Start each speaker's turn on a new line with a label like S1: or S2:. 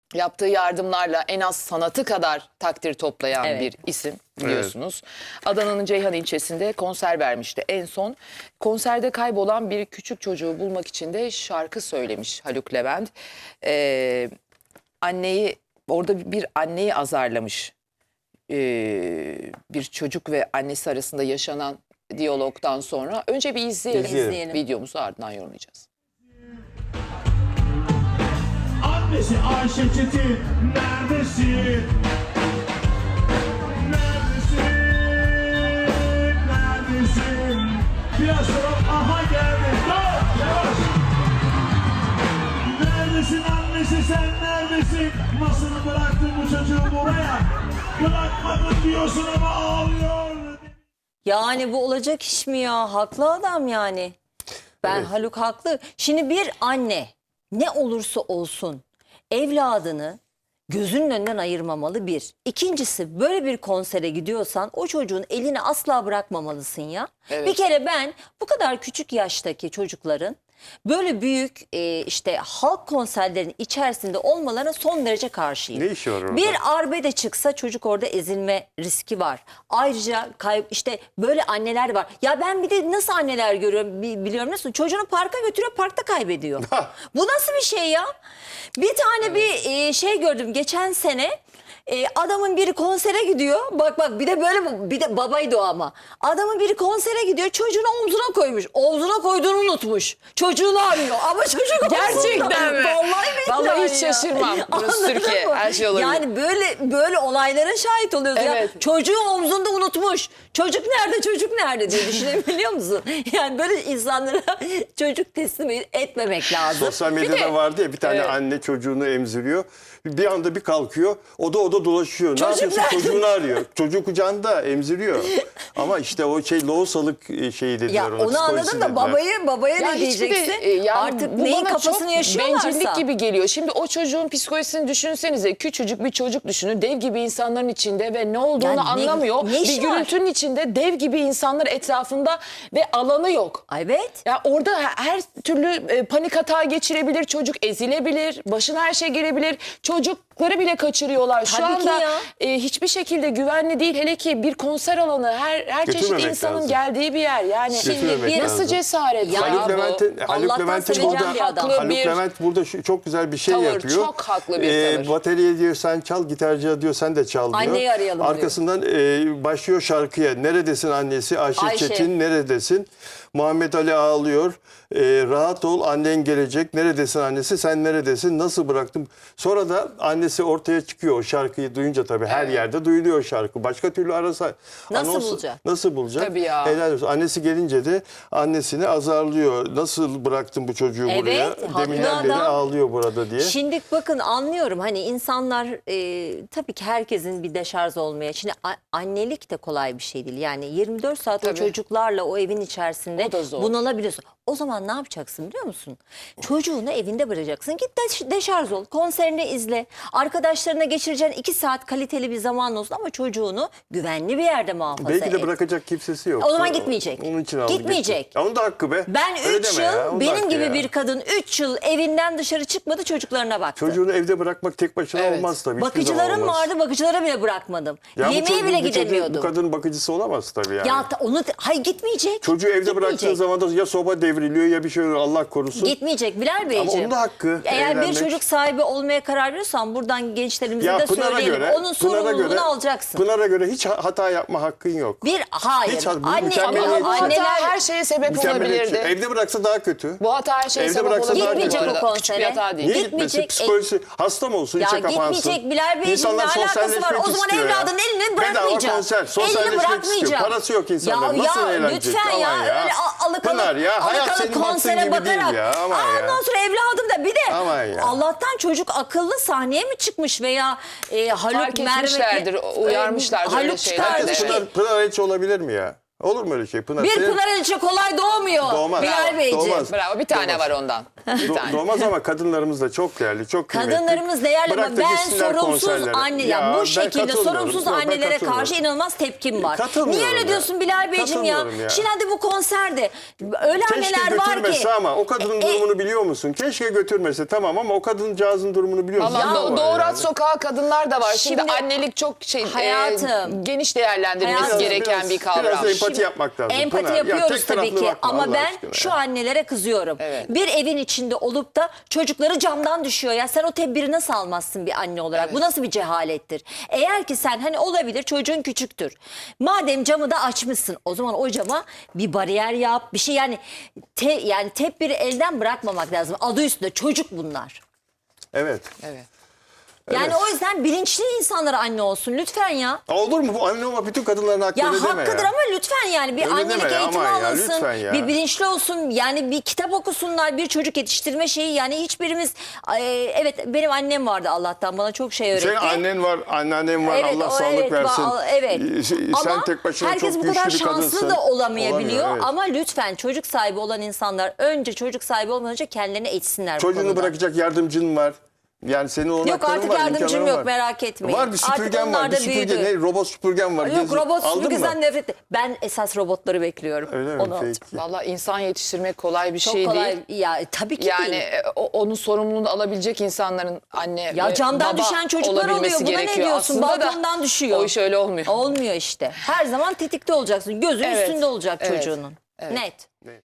S1: yaptığı yardımlarla en az sanatı kadar takdir toplayan
S2: Evet.
S1: bir isim biliyorsunuz. Adana'nın Ceyhan ilçesinde konser vermişti. En son konserde kaybolan bir küçük çocuğu bulmak için de şarkı söylemiş Haluk Levent. Anneyi orada bir anneyi azarlamış. Bir çocuk ve annesi arasında yaşanan diyalogdan sonra. Önce bir izleyelim. Videomuzu ardından yorumlayacağız.
S3: Annesi Ayşe Çetin neredesin? Neredesin? Neredesin? Biraz sonra aha geldi. Dur yavaş. Neredesin annesi sen neredesin? Nasıl bıraktın bu çocuğu buraya? Bırakmadın diyorsun ama ağlıyor.
S2: Yani bu olacak iş mi ya? Haklı adam yani. Haluk haklı. Şimdi bir anne ne olursa olsun evladını gözünün önünden ayırmamalı bir. İkincisi böyle bir konsere gidiyorsan o çocuğun elini asla bırakmamalısın ya.
S1: Evet.
S2: Bir kere ben bu kadar küçük yaştaki çocukların böyle büyük işte halk konserlerinin içerisinde olmalarına son derece karşıyım.
S4: Ne işi var orada?
S2: Bir arbede çıksa çocuk orada ezilme riski var. Ayrıca işte böyle anneler var. Ya ben bir de nasıl anneler görüyorum biliyorum nasıl? Çocuğunu parka götürüyor, parkta kaybediyor. Bu nasıl bir şey ya? Bir tane bir şey gördüm geçen sene. Adamın biri konsere gidiyor. Bak bir de böyle bir de babaydı o ama. Adamın biri konsere gidiyor. Çocuğunu omzuna koymuş. Omzuna koyduğunu unutmuş. Çocuğunu arıyor ama çocuk
S1: Gerçekten
S2: omzunda.
S1: mi? Vallahi hiç
S2: ya.
S1: şaşırmam. Burası
S2: Anladın
S1: Türkiye.
S2: mı?
S1: Her şey olabilir.
S2: Yani böyle olaylara şahit oluyoruz ya.
S1: Evet.
S2: Çocuğu omzunda unutmuş. Çocuk nerede diye düşünebiliyor musun? Yani böyle insanlara çocuk teslim etmemek lazım.
S4: Sosyal medyada vardı ya bir tane anne çocuğunu emziriyor. Bir anda bir kalkıyor. O da dolaşıyor.
S2: Çocuk
S4: ne yapıyorsun?
S2: nerede?
S4: Çocuğunu arıyor. Çocuğu kucağında emziriyor. Ama işte o lohusalık şeyi de
S2: Ya
S4: diyor ona.
S2: onu anladım
S4: psikolojisi
S2: da
S4: dediler.
S2: babaya
S1: Ya
S2: ne
S1: hiçbir de,
S2: diyeceksin?
S1: yani
S2: Artık
S1: bu
S2: neyin
S1: bana
S2: kafasını
S1: çok
S2: yaşıyorlarsa.
S1: bencillik gibi geliyor. Şimdi o çocuğun psikolojisini düşünsenize. Küçücük bir çocuk düşünün. Dev gibi insanların içinde ve ne olduğunu
S2: Yani
S1: anlamıyor.
S2: ne işi
S1: bir
S2: var?
S1: gürültünün içinde dev gibi insanlar etrafında ve alanı yok.
S2: Evet.
S1: Ya orada her türlü panik hata geçirebilir, çocuk ezilebilir, başına her şey gelebilir. Çocukları bile kaçırıyorlar. Şu
S2: Tabii ki
S1: anda
S2: ya.
S1: hiçbir şekilde güvenli değil. Hele ki bir konser alanı, her çeşit
S4: Götürmemek
S1: insanın
S4: lazım.
S1: geldiği bir yer. Yani
S4: Götürmemek
S2: bir-
S1: nasıl
S4: lazım.
S1: cesaret ya,
S2: Ya
S4: Haluk
S1: bu?
S4: Levent'in
S2: Allah'tan seveceğim
S4: burada
S2: bir adam.
S1: Haklı
S4: Haluk
S1: bir
S4: Levent burada çok güzel bir şey
S1: tavır,
S4: yapıyor.
S1: çok haklı bir tavır.
S4: Bateriye diyor sen çal, gitarcıya diyor sen de çal diyor.
S2: Anneyi arayalım diyor.
S4: Arkasından başlıyor şarkıya. Neredesin annesi? Ayşe Çetin neredesin? Muhammed Ali ağlıyor. Rahat ol annen gelecek. Neredesin annesi? Sen neredesin? Nasıl bıraktım? Sonra da annesi ortaya çıkıyor o şarkıyı duyunca tabii. Her yerde duyuluyor o şarkı. Başka türlü arasa.
S2: Nasıl bulacak?
S4: Nasıl bulacak?
S1: Tabii ya.
S4: Helal olsun. Annesi gelince de annesini azarlıyor. Nasıl bıraktın bu çocuğu
S2: Evet,
S4: buraya?
S2: haklı
S4: Deminden beri
S2: adam.
S4: ağlıyor burada diye.
S2: Şimdi bakın anlıyorum hani insanlar tabii ki herkesin bir deşarj olmaya. Şimdi annelik de kolay bir şey değil. Yani 24 saat o
S1: Tabii.
S2: çocuklarla o evin içerisinde
S1: O da zor.
S2: bunalabiliyorsun. O zaman ne yapacaksın biliyor musun? Çocuğunu evinde bırakacaksın. Git deşarj ol. Konserini izle. Arkadaşlarına geçireceğin 2 saat kaliteli bir zaman olsun ama çocuğunu güvenli bir yerde muhafaza
S4: Belki de
S2: et.
S4: bırakacak kimsesi yok.
S2: O zaman gitmeyecek.
S4: Onun için aldı
S2: Gitmeyecek.
S4: gitti. Onun da hakkı be.
S2: Ben
S4: Öyle
S2: 3
S4: deme ya,
S2: yıl
S4: onun da
S2: benim
S4: hakkı
S2: gibi
S4: ya.
S2: bir kadın 3 yıl evinden dışarı çıkmadı çocuklarına baktı.
S4: Çocuğunu evde bırakmak tek başına
S1: Evet.
S4: olmaz tabii. hiçbir zaman
S2: Bakıcılarım
S4: olmaz.
S2: vardı, bakıcılara bile bırakmadım.
S4: Ya bu
S2: Yemeğe
S4: çocuk-
S2: bile
S4: bu çocuk-
S2: gidemiyordum.
S4: Bu kadının bakıcısı olamaz tabii yani.
S2: Ya hayır gitmeyecek.
S4: Çocuğu evde
S2: Gitmeyecek.
S4: bıraktığın zaman da ya soba devriliyor ya bir şey oluyor Allah korusun.
S2: Gitmeyecek Bilal Beyciğim.
S4: Ama onun da hakkı,
S2: Eğer
S4: evlenmek.
S2: bir çocuk sahibi olmaya karar veriyorsan buradan gençlerimize
S4: Ya
S2: de
S4: Pınar'a
S2: söyleyelim.
S4: göre,
S2: Onun sorumluluğunu alacaksın.
S4: Pınar'a göre hiç hata yapma hakkın yok.
S2: Hayır.
S4: Hiç bu
S2: Anne,
S4: mükemmeliyetçi.
S1: Ama bu hata
S2: anneler
S1: her şeye sebep
S4: Mükemmeliyetçi.
S1: olabilirdi.
S4: Evde bıraksa daha kötü.
S1: Bu hata her şeye
S4: Evde
S1: sebep
S4: bıraksa
S1: olabilirdi.
S4: daha
S2: Gitmeyecek
S4: kötü.
S2: o
S1: Arada. Küçük bir
S2: konsere.
S1: hata değil.
S4: Niye
S2: Gitmeyecek.
S4: gitmesin? Psikolojisi hasta mı olsun?
S2: Ya
S4: içe kapansın.
S2: gitmeyecek Bilal Beyciğim,
S4: İnsanlar
S2: ne alakası var?
S4: sosyalleşmek
S2: O zaman
S4: istiyor ya.
S2: evladın elini bırakmayacak.
S4: Bedava konser,
S2: Elini
S4: sosyalleşmek istiyor.
S2: bırakmayacak.
S4: Parası yok insanların.
S2: Ya,
S4: Nasıl
S2: ya,
S4: eğlenecek?
S2: lütfen ya.
S4: Aman
S2: Öyle
S4: Pınar ya, hayat senin baktığın
S2: konsere
S4: gibi değil
S2: bakarak.
S4: ya. Aman ya.
S2: Ondan sonra evladım da bir de
S4: Aman ya.
S2: Allah'tan çocuk akıllı sahneye mi çıkmış veya Haluk
S1: Fark etmişlerdir, uyarmışlardır öyle
S2: Haluk
S1: şeyler
S2: çıkardı.
S1: de.
S4: Herkes Pınar Elçi olabilir mi ya? Olur mu öyle şey? Pınar,
S2: Bir
S4: senin-
S2: Pınar Elçi kolay doğmuyor.
S4: Doğmaz.
S2: Bilal Beyciğim.
S4: Doğmaz.
S1: Bravo, bir tane var ondan.
S4: Doğmaz ama kadınlarımız da çok değerli, çok kıymetli.
S2: Kadınlarımız değerli ama
S4: Bırak da
S2: ben
S4: gitsinler
S2: sorumsuz
S4: konserlere.
S2: anne
S4: Ya
S2: ya bu
S4: ben
S2: şekilde
S4: katılmıyorum.
S2: sorumsuz
S4: Yok, ben
S2: annelere karşı
S4: katılmıyorum.
S2: inanılmaz tepkim var.
S4: Katılmıyorum
S2: Niye öyle
S4: ya.
S2: diyorsun Bilal Beyciğim ya?
S4: Katılmıyorum ya.
S2: Şimdi hadi bu konserde öyle
S4: Keşke
S2: anneler var ki.
S4: götürmese ama o kadının durumunu biliyor musun? Keşke götürmese tamam ama o kadıncağızın durumunu biliyor musun?
S1: Vallahi
S4: Ne var
S1: doğurat
S4: yani?
S1: sokağa kadınlar da var. Şimdi,
S2: Şimdi-
S1: annelik çok
S2: Hayatım.
S1: geniş değerlendirilmesi
S2: Hayatım.
S1: gereken bir kavram.
S4: Biraz empati yapmak lazım.
S2: Empati
S4: Pınar. Ya
S2: yapıyoruz
S4: tek
S2: tabii
S4: taraflı
S2: ki
S4: bakma
S2: ama
S4: Allah
S2: ben
S4: aşkına
S2: şu
S4: ya.
S2: annelere kızıyorum.
S1: Evet.
S2: Bir evin içinde olup da çocukları camdan düşüyor ya sen o tedbiri nasıl almazsın bir anne olarak? Bu nasıl bir cehalettir? Eğer ki sen hani olabilir çocuğun küçüktür. Madem camı da açmışsın o zaman o cama bir bariyer yap bir şey yani yani tedbiri elden bırakmamak lazım. Adı üstünde çocuk bunlar.
S4: Evet.
S1: Evet.
S2: Yani
S4: Evet.
S2: o yüzden bilinçli insanlara anne olsun lütfen ya.
S4: Olur mu? Bu anne olmak bütün kadınların hakkı
S2: Ya
S4: öyle deme
S2: hakkıdır
S4: ya.
S2: ama lütfen yani bir
S4: Öyle
S2: annelik
S4: deme ya,
S2: eğitimi
S4: aman ya,
S2: alınsın.
S4: lütfen ya.
S2: Bir bilinçli olsun. Yani bir kitap okusunlar. Bir çocuk yetiştirme şeyi yani hiçbirimiz evet benim annem vardı Allah'tan bana çok şey öğretti.
S4: Senin annen var, anneannen var.
S2: Evet,
S4: Allah
S2: o
S4: sağlık
S2: evet,
S4: versin.
S2: evet.
S4: Sen
S2: Ama
S4: tek başına
S2: herkes
S4: çok
S2: bu kadar
S4: güçlü bir
S2: şanslı
S4: kadınsın.
S2: da olamayabiliyor.
S4: Olamıyor, evet.
S2: Ama lütfen çocuk sahibi olan insanlar önce çocuk sahibi olmadan önce kendilerini eğitsinler bu
S4: Çocuğunu
S2: konuda.
S4: bırakacak yardımcın var. Yani senin
S2: Yok
S4: olanakların
S2: artık
S4: var,
S2: yardımcım
S4: imkanların
S2: yok
S4: var.
S2: merak etmeyin.
S4: Var bir süpürgen
S2: Artık
S4: var.
S2: onlar
S4: Bir
S2: da
S4: süpürge
S2: büyüdü.
S4: ne? Robot süpürgen var.
S2: Yok robot
S4: Aldın mı?
S2: süpürgeden nefret ettim. Ben esas robotları bekliyorum.
S4: Öyle mi?
S2: Onu alacağım.
S4: Peki.
S1: Vallahi insan yetiştirmek kolay bir
S2: Çok
S1: şey
S2: kolay.
S1: değil.
S2: Ya tabii ki
S1: Yani
S2: değil.
S1: onun sorumluluğunu alabilecek insanların anne
S2: Ya
S1: ve
S2: camdan
S1: baba
S2: düşen çocuklar
S1: olabilmesi
S2: oluyor. Buna ne
S1: gerekiyor.
S2: diyorsun?
S1: Aslında da
S2: Balkondan düşüyor.
S1: O iş öyle olmuyor.
S2: Olmuyor işte. Her zaman tetikte olacaksın. Gözün
S1: Evet,
S2: üstünde olacak
S1: evet,
S2: çocuğunun.
S1: evet.
S2: Net.
S4: Ne?